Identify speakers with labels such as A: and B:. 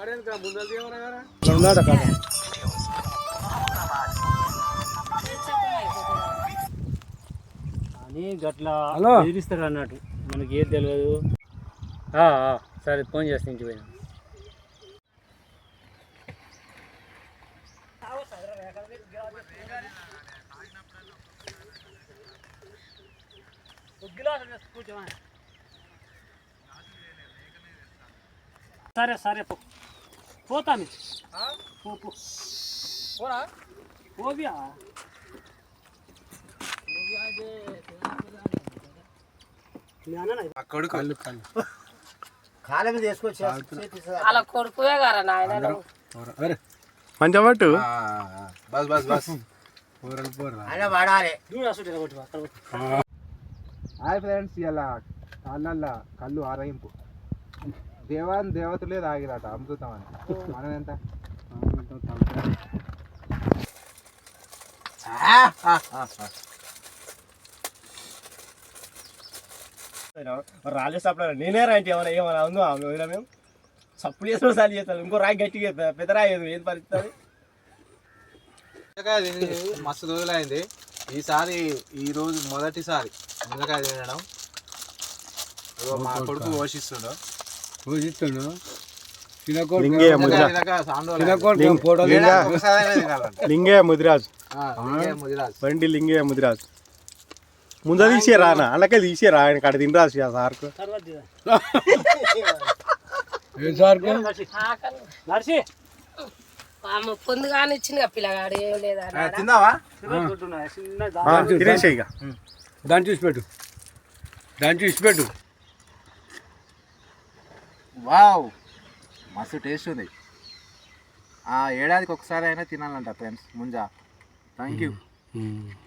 A: అని గట్లా బెదిరిస్తాడు అన్నట్టు, మనకి ఏది తెలియదు. సరే ఫోన్ చేస్తే ఇంటికి పోయినా. సరే సరే పోతాను. పోబియా
B: కాలం తీసుకొచ్చి
C: అలా కొడుకువే గారా నాయన.
D: మంచిగా పట్టు.
B: బస్ బస్ బస్ అయినా వాడాలి.
E: హాయ్ ఫ్రెండ్స్, ఇలా కాళ్ళల్లో కళ్ళు ఆరగింపు. దేవతలే తాగిరట అమృతమని. మనం ఎంత
B: రాలే సప్లై నేనే రాంటి ఏమైనా ఏమైనా ఉందో వదిలా మేము సప్పుడు చేసిన సార్లు చేస్తాను. ఇంకో రాయి గట్టిగా పెద్ద రాయి ఏం పరిస్థితి.
E: మస్తు రోజులైంది. ఈసారి ఈరోజు మొదటిసారి మునక్కాయ తినడం. మా కొడుకు పోషిస్తుండు.
D: లింగయ్య ముదిరాజ్ బండి లింగయ్య ముదిరాజ్ ముందు తీసే రానా అలాగే తీసే రా ఆయన కాడ తినరాసి ఆ సార్కు
C: పొందుగానే ఇచ్చింది పిల్లగాడు ఏం లేదా
E: తిన్నావా?
D: తినేసే ఇక
A: దాన్ని చూసి పెట్టు.
E: వావ్, మస్తు టేస్ట్ ఉంది. ఏడాదికి ఒకసారి అయినా తినాలంట ఫ్రెండ్స్ ముంజా. Thank you.